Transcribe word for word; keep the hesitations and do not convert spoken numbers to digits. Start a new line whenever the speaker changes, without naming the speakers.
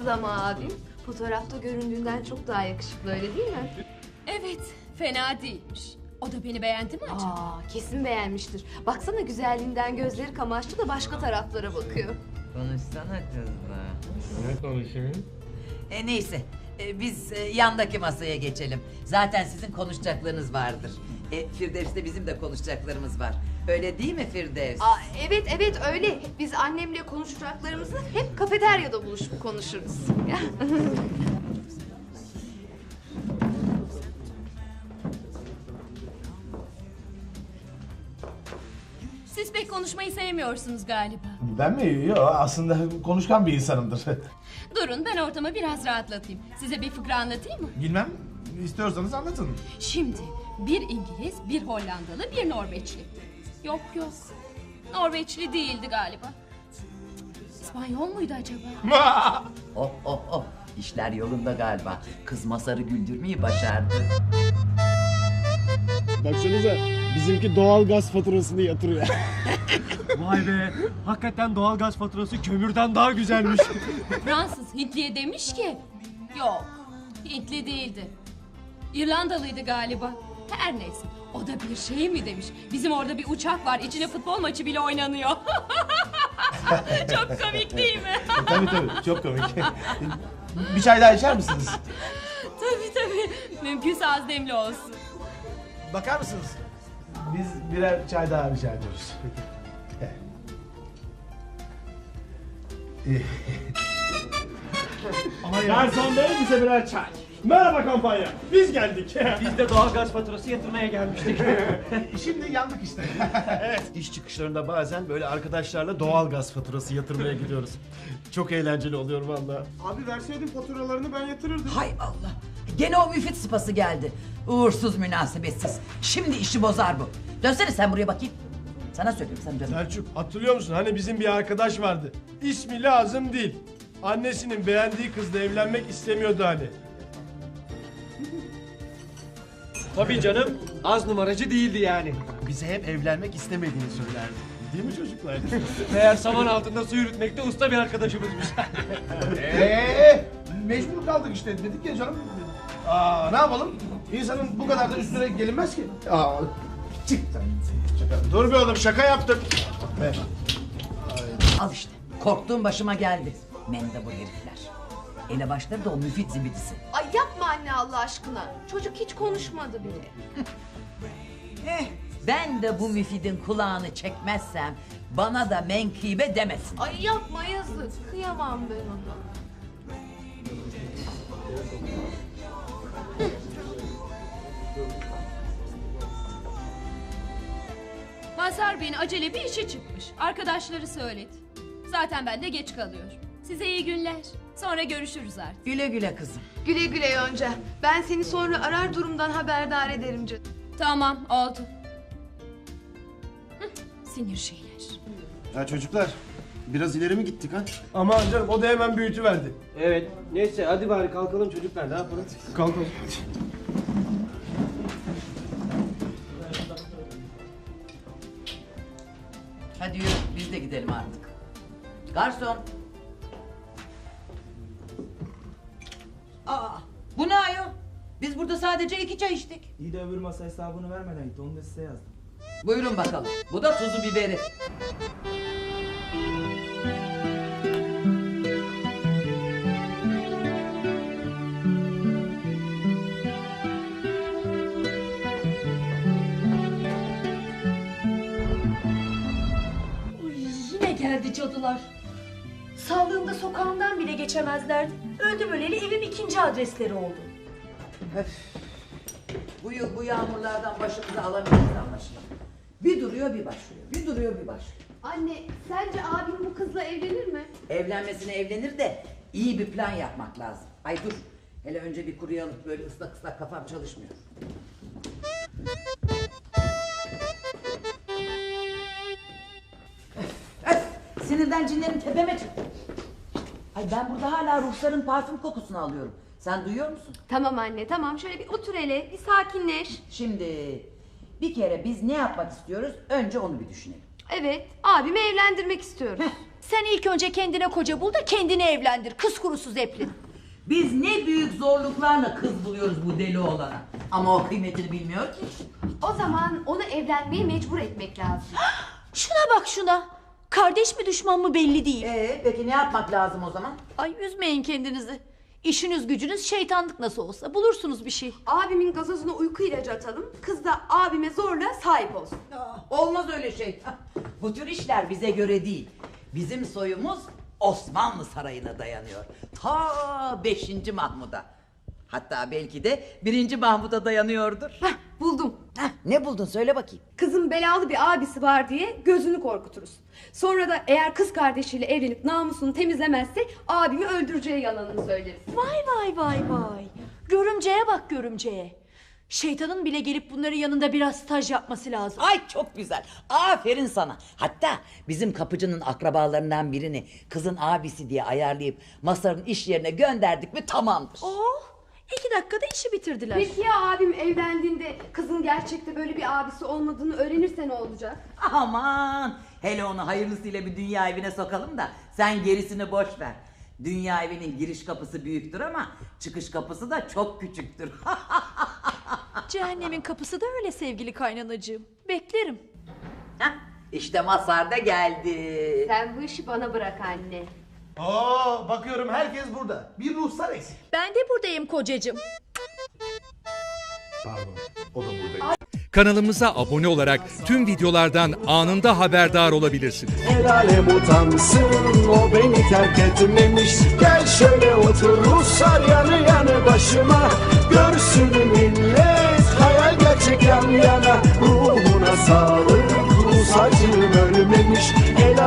yakışıklı ama abim. Fotoğrafta göründüğünden çok daha yakışıklı, öyle değil mi?
Evet, fena değilmiş. O da beni beğendi mi acaba?
Aa, kesin beğenmiştir. Baksana güzelliğinden gözleri kamaştı da başka taraflara bakıyor.
Konuşsana kızla.
Ne konuşayım?
E neyse, e, biz e, yandaki masaya geçelim. Zaten sizin konuşacaklarınız vardır. E, Firdevs'te bizim de konuşacaklarımız var. Öyle değil mi Firdevs?
Aa, evet evet öyle. Biz annemle konuşacaklarımızı hep kafeteryada buluşup konuşuruz.
Siz pek konuşmayı sevmiyorsunuz galiba.
Ben mi? Yok, aslında konuşkan bir insanımdır.
Durun, ben ortamı biraz rahatlatayım. Size bir fıkra anlatayım mı?
Bilmem, istiyorsanız anlatın.
Şimdi bir İngiliz, bir Hollandalı, bir Norveçli. Yok yok, Norveçli değildi galiba. İspanyol muydu acaba?
Oh oh oh, işler yolunda galiba. Kız Masar'ı güldürmeyi başardı.
Baksanıza, bizimki doğal gaz faturasını yatırıyor.
Vay be, hakikaten doğalgaz faturası kömürden daha güzelmiş.
Fransız Hintliye demiş ki... Yok, Hintli değildi. İrlandalıydı galiba. Her neyse, o da bir şey mi demiş. Bizim orada bir uçak var, içine futbol maçı bile oynanıyor. Çok komik değil mi?
Tabii tabii, çok komik. Bir çay daha içer misiniz?
Tabii tabii, mümkünse az demli olsun.
Bakar mısınız? Biz birer çay daha rica ediyoruz.
Garson bey, bize birer çay. Merhaba kampanya, biz geldik. Biz de doğalgaz faturası yatırmaya gelmiştik.
Şimdi yandık işte.
Evet, iş çıkışlarında bazen böyle arkadaşlarla doğal gaz faturası yatırmaya gidiyoruz. Çok eğlenceli oluyor vallahi.
Abi verseydin faturalarını ben yatırırdım.
Hay Allah! Gene o müfit sıpası geldi. Uğursuz, münasebetsiz. Şimdi işi bozar bu. Dönsene sen buraya bakayım. Sana söylüyorum, sen dön.
Selçuk, hatırlıyor musun? Hani bizim bir arkadaş vardı. İsmi lazım değil. Annesinin beğendiği kızla evlenmek istemiyordu hani.
Tabii canım, az numaracı değildi yani.
Bize hep evlenmek istemediğini söylerdi. Değil mi çocuklar?
Meğer saman altında su yürütmekte usta bir arkadaşımızmış.
Eee, mecbur kaldık işte, dedik ya canım. Aa, ne yapalım? İnsanın bu kadar da üstüne gelinmez ki. Aa, çık sen. Şaka. Dur be oğlum, şaka yaptım. Evet.
Al işte, korktuğum başıma geldi. Mendebur herifler. Elebaşları da o müfit zibidisi.
Ay yapma anne Allah aşkına. Çocuk hiç konuşmadı bile.
Eh, ben de bu müfidin kulağını çekmezsem bana da menkıbe demesin.
Ay yapma yazık. Kıyamam ben ona.
Mazhar Bey'in acele bir işi çıkmış. Arkadaşları söyledi. Zaten ben de geç kalıyorum. Size iyi günler. Sonra görüşürüz artık.
Güle güle kızım.
Güle güle Yonca. Ben seni sonra arar durumdan haberdar ederim canım.
Tamam, oldu. Hı, sinir şeyler.
Ya çocuklar, biraz ileri mi gittik ha? Aman canım, o da hemen büyütüverdi.
Evet, neyse hadi bari kalkalım çocuklar, ne yapalım?
Kalkalım.
Hadi yürü, biz de gidelim artık. Garson. Aa, bu ne ayol? Biz burada sadece iki çay içtik.
İyi de öbür masa hesabını vermeden gitti. Onu da size yazdım.
Buyurun bakalım. Bu da tuzu biberi.
Yine geldi cadılar. Sağlığımda sokağımdan bile geçemezlerdi. Öldüm öleli evim ikinci adresleri oldu.
Öf. Bu yıl bu yağmurlardan başımıza alamayız anlaşılan. Bir duruyor bir başlıyor. Bir duruyor bir başlıyor.
Anne sence abim bu kızla evlenir mi?
Evlenmesine evlenir de iyi bir plan yapmak lazım. Ay dur. Hele önce bir kuruyalım. Böyle ıslak ıslak kafam çalışmıyor. Öf, öf. Sinirden cinlerim tepeme çıktı. Ay ben burada hala ruhsarın parfüm kokusunu alıyorum. Sen duyuyor musun?
Tamam anne tamam, şöyle bir otur hele, bir sakinleş.
Şimdi bir kere biz ne yapmak istiyoruz? Önce onu bir düşünelim.
Evet, abimi evlendirmek istiyoruz.
Heh,
Sen ilk önce kendine koca bul da kendini evlendir. Kız kurusu Zeplin.
Biz ne büyük zorluklarla kız buluyoruz bu deli oğlana. Ama o kıymetini bilmiyor ki.
O zaman onu evlenmeye mecbur etmek lazım.
Şuna bak şuna. Kardeş mi düşman mı belli değil.
Ee, peki ne yapmak lazım o zaman?
Ay üzmeyin kendinizi. İşiniz gücünüz şeytanlık nasıl olsa bulursunuz bir şey.
Abimin gazozuna uyku ilacı atalım. Kız da abime zorla sahip olsun.
Olmaz öyle şey. Bu tür işler bize göre değil. Bizim soyumuz Osmanlı Sarayı'na dayanıyor. Ta beşinci Mahmud'a. Hatta belki de birinci Mahmud'a dayanıyordur.
Heh, buldum.
Heh, ne buldun söyle bakayım.
Kızın belalı bir abisi var diye gözünü korkuturuz. Sonra da eğer kız kardeşiyle evlenip namusunu temizlemezse abimi öldüreceği yalanını söyleriz.
Vay vay vay vay. Görümceye bak görümceye. Şeytanın bile gelip bunların yanında biraz staj yapması lazım.
Ay çok güzel. Aferin sana. Hatta bizim kapıcının akrabalarından birini kızın abisi diye ayarlayıp Masar'ın iş yerine gönderdik mi tamamdır.
Oh, iki dakikada işi bitirdiler.
Peki ya abim evlendiğinde kızın gerçekte böyle bir abisi olmadığını öğrenirse ne olacak?
Aman hele onu hayırlısıyla bir dünya evine sokalım da sen gerisini boş ver. Dünya evinin giriş kapısı büyüktür ama çıkış kapısı da çok küçüktür.
Cehennemin kapısı da öyle sevgili kaynanacığım. Beklerim.
Hah, İşte Mazhar da geldi.
Sen bu işi bana bırak anne.
Oo, bakıyorum herkes burada. Bir ruhsar eksik.
Ben de buradayım kocacığım.
Pardon, o da buradayım.
Kanalımıza abone olarak tüm videolardan anında haberdar olabilirsiniz.
El alem utansın, o beni terk etmemiş. Gel şöyle otur Ruslar yanı yanı başıma. Görsün millet hayal gerçek yan yana. Ruhuna sağlık, Rus acım ölmemiş. El